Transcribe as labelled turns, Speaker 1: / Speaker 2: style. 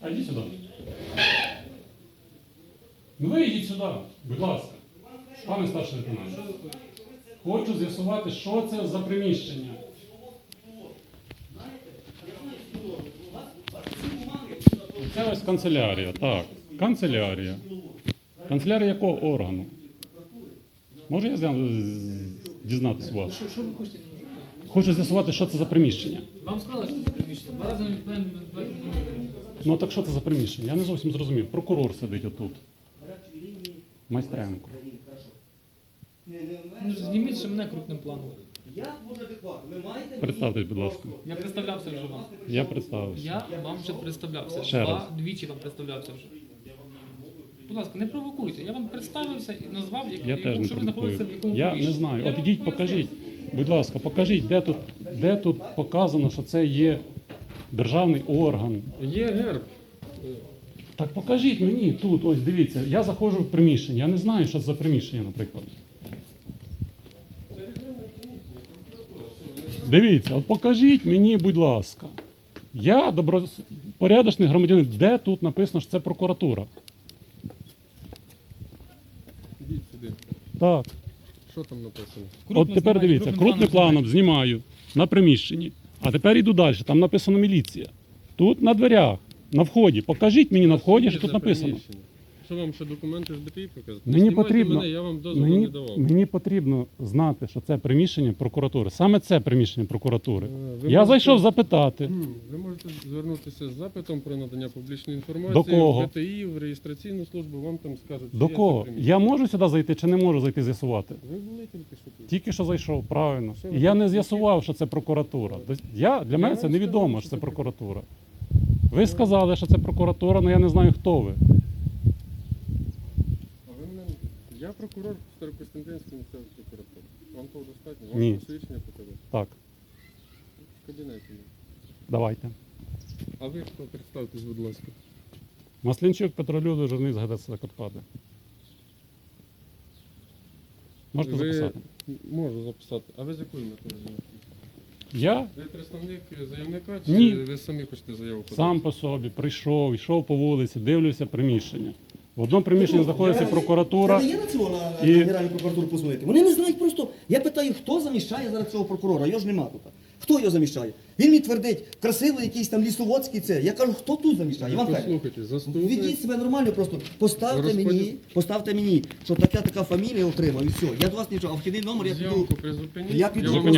Speaker 1: А йдіть сюди. Ну ви йдіть сюди, будь ласка. Пане старший лейтенант. Хочу з'ясувати, що це за приміщення. Це ось канцелярія, так. Канцелярія. Канцелярія якого органу? Можу я дізнатися у вас?
Speaker 2: Що ви хочете?
Speaker 1: Хочу з'ясувати, що це за приміщення.
Speaker 2: Вам сказали, що це приміщення. Два рази не
Speaker 1: Ну так що це за приміщення? Я не зовсім зрозумів. Прокурор сидить отут. Майстренко.
Speaker 2: Ну, зніміть ще мене крупним планом.
Speaker 1: Представтесь, будь ласка.
Speaker 2: Я представлявся вже вам.
Speaker 1: Я представився.
Speaker 2: Я вам вже представлявся.
Speaker 1: Ще раз.
Speaker 2: Двічі вам представлявся вже. Будь ласка, не провокуйте. Я вам представився і назвав,
Speaker 1: Я теж не
Speaker 2: що ви знаходитеся в
Speaker 1: провокую.
Speaker 2: якому
Speaker 1: Я не
Speaker 2: приміщенні.
Speaker 1: знаю.
Speaker 2: Я
Speaker 1: От
Speaker 2: вам
Speaker 1: ідіть,
Speaker 2: поясню.
Speaker 1: покажіть. Будь ласка, покажіть, де тут показано, що це є державний орган.
Speaker 3: Є герб.
Speaker 1: Так покажіть мені тут, ось дивіться, я заходжу в приміщення, я не знаю, що це за приміщення, наприклад. Дивіться, от покажіть мені, будь ласка. Я добропорядочний громадянин, де тут написано, що це прокуратура?
Speaker 3: Ідіть сюди.
Speaker 1: Так.
Speaker 3: Що там написано?
Speaker 1: От тепер дивіться, крупним планом знімаю на приміщенні, а тепер іду далі, там написано міліція. Тут на дверях, на вході. Покажіть мені на вході, що тут
Speaker 3: За
Speaker 1: написано.
Speaker 3: приміщення. Що вам ще документи з БТІ показати?
Speaker 1: Мені
Speaker 3: Знімайте
Speaker 1: потрібно,
Speaker 3: мене, я вам дозволу не давав.
Speaker 1: мені потрібно знати, що це приміщення прокуратури. Саме це приміщення прокуратури.
Speaker 3: Ви
Speaker 1: Я
Speaker 3: можете-
Speaker 1: зайшов запитати.
Speaker 3: Ви можете звернутися з запитом про надання публічної інформації
Speaker 1: До кого?
Speaker 3: в БТІ, в реєстраційну службу, вам там скажуть,
Speaker 1: До
Speaker 3: чи є
Speaker 1: кого?
Speaker 3: це приміщення.
Speaker 1: Я можу сюди зайти чи не можу зайти з'ясувати?
Speaker 3: Ви були тільки що тут.
Speaker 1: Тільки що зайшов, правильно.
Speaker 3: Що
Speaker 1: І
Speaker 3: ви
Speaker 1: я не
Speaker 3: тут?
Speaker 1: з'ясував, що це прокуратура. Для мене це
Speaker 3: вам
Speaker 1: невідомо,
Speaker 3: сказав,
Speaker 1: що
Speaker 3: що
Speaker 1: це
Speaker 3: це
Speaker 1: прокуратура. Ви сказали, що це прокуратура, але я не знаю, хто ви.
Speaker 3: А ви мене... Я прокурор Старокостянтинської місцевої прокуратури. Вам того достатньо? Вам
Speaker 1: Ні.
Speaker 3: посвідчення показати?
Speaker 1: Так,
Speaker 3: В кабінеті. є.
Speaker 1: давайте.
Speaker 3: А ви хто? Представтесь, будь ласка.
Speaker 1: Маслінчук Петро Людо, журналіст газети «Закарпаття». Можете
Speaker 3: Ви-
Speaker 1: записати?
Speaker 3: Можу записати. А ви з якою метою заявки?
Speaker 1: Я
Speaker 3: Ви представник заявника чи
Speaker 1: Ні.
Speaker 3: ви самі хочете заяву подати?
Speaker 1: сам по собі прийшов, йшов по вулиці, дивлюся приміщення. В одному приміщенні знаходиться прокуратура.
Speaker 4: Це не є на цього на
Speaker 1: і-
Speaker 4: Генеральну прокуратуру позвонити. Вони не знають просто. Я питаю, хто заміщає зараз цього прокурора, його ж нема тут. Хто його заміщає? Він мені твердить, красивий якийсь там лісоводський це. Я кажу, хто тут заміщає? Іван Федорович,
Speaker 3: Послухайте, заступник.
Speaker 4: ведіть себе нормально просто.
Speaker 3: Розподіл-
Speaker 4: Поставте мені, що така фамілія отримав і все. Я до вас нічого, а вхідний номер я піду.
Speaker 3: Зйомку призупиніть.
Speaker 4: Я піду.
Speaker 3: вам
Speaker 1: Зупиняю.